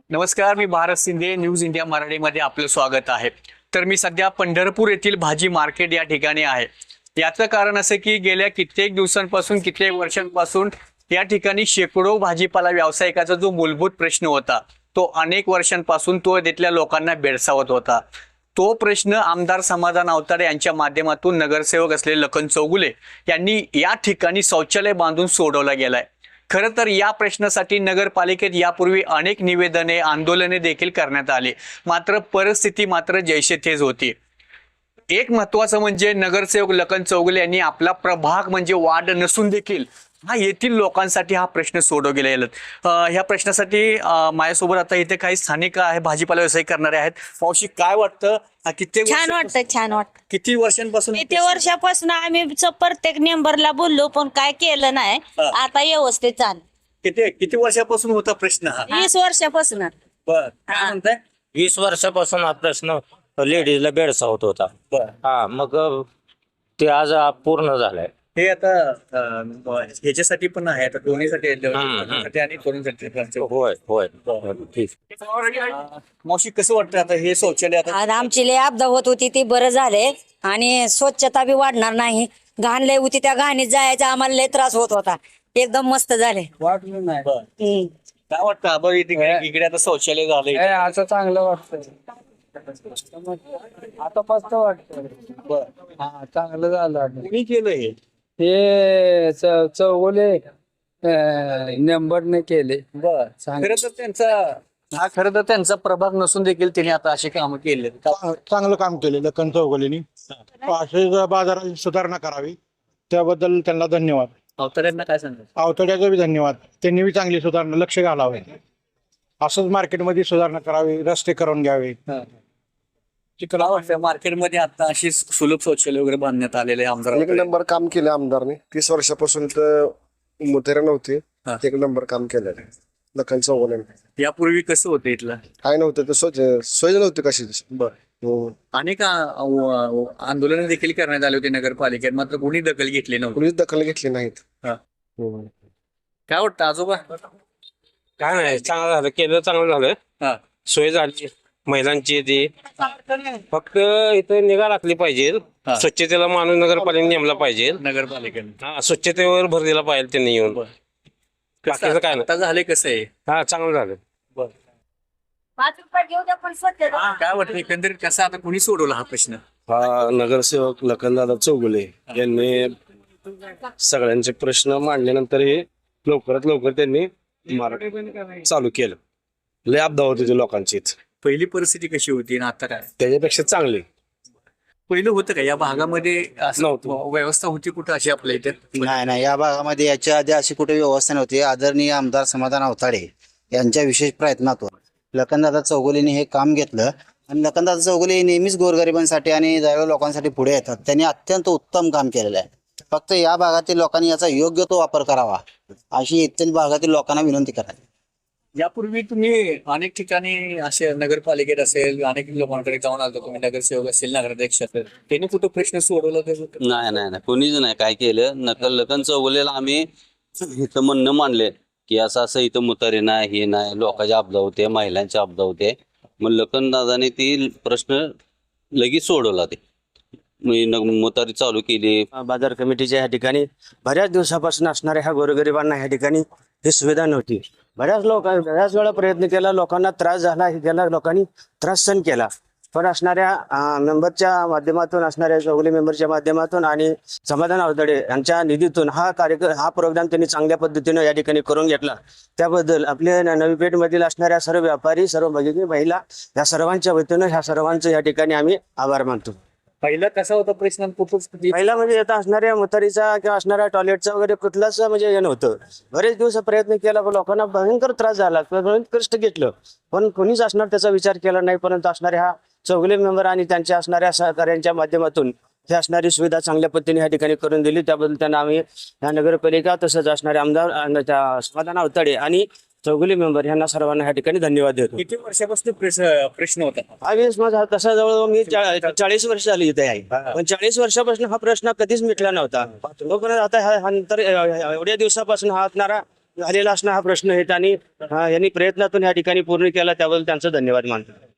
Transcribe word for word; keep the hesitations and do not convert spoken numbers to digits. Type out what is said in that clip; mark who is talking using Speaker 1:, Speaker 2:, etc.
Speaker 1: नमस्कार, मी Bharat Shinde. News India मराठीमध्ये आपलं स्वागत आहे. तर मी सध्या पंढरपूर येथील भाजी मार्केट या ठिकाणी आहे. याचं कारण असं की गेल्या कित्येक दिवसांपासून कित्येक वर्षांपासून या ठिकाणी शेकडो भाजीपाला व्यावसायिकाचा जो मूलभूत प्रश्न होता तो अनेक वर्षांपासून तो तिथल्या लोकांना भेडसावत होता. तो प्रश्न आमदार समाधान अवताडे यांच्या माध्यमातून नगरसेवक असलेले लखन चौगुले यांनी या ठिकाणी शौचालय बांधून सोडवला गेलाय. खरं तर या प्रश्नासाठी नगरपालिकेत यापूर्वी अनेक निवेदने आंदोलने देखील करण्यात आली, मात्र परिस्थिती मात्र जैसे थेच होती. एक महत्वाचं म्हणजे नगरसेवक लखन चौगुले यांनी आपला प्रभाग म्हणजे वार्ड नसून देखील हा येथील लोकांसाठी हा प्रश्न सोडवला गेला. ह्या प्रश्नासाठी माझ्यासोबत आता इथे काही स्थानिक आहे, भाजीपाला व्यवसाय करणारे आहेत. मावशी, काय वाटतं? किती
Speaker 2: छान वाटतं छान वाटतं
Speaker 1: किती वर्षांपासून
Speaker 2: किती वर्षापासून आम्ही च- प्रत्येक मेंबरला बोललो पण काय केलं नाही.
Speaker 1: हा.
Speaker 2: आता व्यवस्थित चाल
Speaker 1: किती किती वर्षापासून होता प्रश्न हा?
Speaker 2: वीस वर्षापासून
Speaker 1: बर, काय म्हणताय?
Speaker 3: वीस वर्षापासून हा प्रश्न लेडीजला भेडसावत होता.
Speaker 1: बर,
Speaker 3: हा मग ते आज पूर्ण झालंय.
Speaker 1: हे आता अं, ह्याच्यासाठी पण आहे, आता दोन्हीसाठी आहे,
Speaker 3: हम्म.
Speaker 1: लग्नासाठी आणि तरुणसाठी.
Speaker 3: होय होय ठीक.
Speaker 1: अं, मावशी, कसं वाटतं आता हे शौचालय आता?
Speaker 4: आज आमची लय आपदा होत होती ती बरं झाले आणि स्वच्छता बी वाढणार नाही. घाण लय होती, त्या घाणीत जायचा आम्हाला लय त्रास होत होता. एकदम मस्त झाले.
Speaker 5: वाटलं नाही
Speaker 1: बर,
Speaker 4: हम्म.
Speaker 1: काय वाटतं आबा, इथे इकडे आता शौचालय झालंय?
Speaker 5: हे असं चांगलं वाटतंय. आता मस्त वाटतंय.
Speaker 1: बर,
Speaker 5: हा चांगलं झालं आता.
Speaker 1: कुणी केलं हे?
Speaker 5: हे च- चौगुले नंबरने केले.
Speaker 1: बर,
Speaker 5: चांग-
Speaker 1: खरं तर त्यांचा हा खरं तर त्यांचा प्रभाग नसून देखील त्यांनी आता असे काम केले.
Speaker 6: चांगलं काम केले लखन चौगुलेनी. असे बाजारात सुधारणा करावी त्याबद्दल त्यांना धन्यवाद.
Speaker 1: अवताड्यांना काय सांगायचं?
Speaker 6: अवतड्याचा बी धन्यवाद. त्यांनी बी चांगली सुधारणा लक्ष घालावे. असंच मार्केटमध्ये सुधारणा करावी, रस्ते करून घ्यावे.
Speaker 1: काय वाटतं मार्केटमध्ये आता अशी सुलभ शौचालय वगैरे बांधण्यात आलेले
Speaker 7: एक
Speaker 1: आमदार?
Speaker 7: नंबर काम केलं आमदारने. तीस वर्षापासून तर मुतेरा नव्हती,
Speaker 1: हा.
Speaker 7: एक नंबर काम केलेलं आहे लखन चौगुलेने.
Speaker 1: यापूर्वी कसं होतं इथलं?
Speaker 7: काय नव्हतं तर सोय सोय नव्हती कशीच.
Speaker 1: बर,
Speaker 7: हो.
Speaker 1: अनेक आंदोलन देखील करण्यात आले होते नगरपालिकेत, मात्र कोणी दखल घेतली नव्हती.
Speaker 7: कुणीच दखल घेतली नाहीत.
Speaker 1: हा.
Speaker 7: हो.
Speaker 1: काय वाटतं आजोबा?
Speaker 3: काय नाही, चांगलं झालं, केलं चांगलं झालं.
Speaker 1: हा.
Speaker 3: सोय झाली महिलांची. ती फक्त इथं निगा राखली पाहिजे.
Speaker 1: हा.
Speaker 3: स्वच्छतेला माणूस नगरपालिकेने नेमला पाहिजे.
Speaker 1: नगरपालिकेने
Speaker 3: हा, स्वच्छतेवर भर दिला पाहिजे त्यांनी येऊन.
Speaker 1: बर.
Speaker 3: बाकीचं काय नाही.
Speaker 1: आता झाले कसं आहे?
Speaker 3: हा चांगलं झालं.
Speaker 2: पाच रुपये घेऊ द्या पण स्वच्छता.
Speaker 1: काय वाटतं एकंदरीत कसं आता कोणी सोडवला हा प्रश्न?
Speaker 8: हा नगरसेवक लखनदादा चौगुले यांनी सगळ्यांचे प्रश्न मांडल्यानंतर हे लवकरात लवकर त्यांनी मार्ग चालू केलं. लय आपदा होती होती लोकांची इथं.
Speaker 1: पहिली परिस्थिती कशी होती आणि आता काय?
Speaker 8: त्याच्यापेक्षा चांगली
Speaker 1: पहिलं होतं का या भागामध्ये असं
Speaker 8: नव्हतं.
Speaker 1: व्यवस्था होती कुठं अशी आपल्या इथे?
Speaker 9: नाही नाही, या भागामध्ये याच्या आधी अशी कुठे व्यवस्था नव्हती. आदरणीय आमदार समाधान अवताडे यांच्या विशेष प्रयत्नातून लखनदादा चौगुलेंनी हे काम घेतलं आणि लखनदादा चौगुले नेहमीच गोरगरिबांसाठी आणि दैव लोकांसाठी पुढे येतात. त्यांनी अत्यंत उत्तम काम केलेलं आहे. फक्त या भागातील लोकांनी याचा योग्य तो वापर करावा अशी इतर भागातील लोकांना विनंती करावी.
Speaker 1: यापूर्वी तुम्ही अनेक ठिकाणी असे नगरपालिकेत असेल अनेक लोकांकडे जाऊन आलो, तुम्ही नगरसेवक असेल, नगराध्यक्ष असेल, त्यांनी कुठं प्रश्न सोडवला?
Speaker 10: नाही नाही नाही, कोणीच नाही काय केलं. नकल लखन चौगुलेला आम्ही इथं म्हणणं मांडले की असं असं इथं मुतारी नाही, हे नाही, लोकांचे आपदा होते, महिलांचे आपदा होते. मग लखन दादाने ती प्रश्न लगेच सोडवला. ते मुतारी चालू केली.
Speaker 11: बाजार कमिटीच्या ह्या ठिकाणी बऱ्याच दिवसापासून असणाऱ्या ह्या गोरगरिबांना ह्या ठिकाणी ही सुविधा नव्हती. बऱ्याच लोक बऱ्याच वेळा प्रयत्न केला, लोकांना त्रास झाला, हे केला, लोकांनी त्रास सहन केला. पण असणाऱ्या मेंबरच्या माध्यमातून, असणाऱ्या चौगुले मेंबरच्या माध्यमातून आणि समाधान अवतडे यांच्या निधीतून हा कार्यक्रम हा प्रोग्राम त्यांनी चांगल्या पद्धतीने या ठिकाणी करून घेतला. त्याबद्दल आपल्या नवी पेठमधील असणाऱ्या सर्व व्यापारी, सर्व भगिनी, महिला या सर्वांच्या वतीनं ह्या सर्वांचं या ठिकाणी आम्ही आभार मानतो.
Speaker 1: पहिला कसा होता प्रश्न? कुठं
Speaker 11: पहिला म्हणजे आता असणाऱ्या मुतारीचा किंवा असणाऱ्या टॉयलेटचा वगैरे कुठलाच म्हणजे हे नव्हतं. बरेच दिवस प्रयत्न केला पण लोकांना भयंकर त्रास झाला, भयंकर कष्ट घेतलं, पण कोणीच असणार त्याचा विचार केला नाही. परंतु असणाऱ्या हा चौगुले मेंबर आणि त्यांच्या असणाऱ्या सहकार्यांच्या माध्यमातून ही असणारी सुविधा चांगल्या पद्धतीने या ठिकाणी करून दिली. त्याबद्दल त्यांना आम्ही या नगरपालिका तसंच असणारे आमदार आणि त्या समाधान अवतडे आणि चौगुले मेंबर यांना सर्वांना या ठिकाणी धन्यवाद देतो.
Speaker 1: किती वर्षापासून प्रश्न प्रश्न होता?
Speaker 11: आम्ही माझा तसा जवळ मी चा- चाळीस वर्ष झाली इथे आहे, पण चाळीस वर्षापासून हा प्रश्न कधीच मिटला नव्हता. तोपर्यंत आता ह्या- हा नंतर एवढ्या दिवसापासून हा असणारा झालेला असणं हा प्रश्न आहे आणि अं, यांनी प्रयत्नातून या ठिकाणी पूर्ण केला त्याबद्दल त्यांचा धन्यवाद मानतो.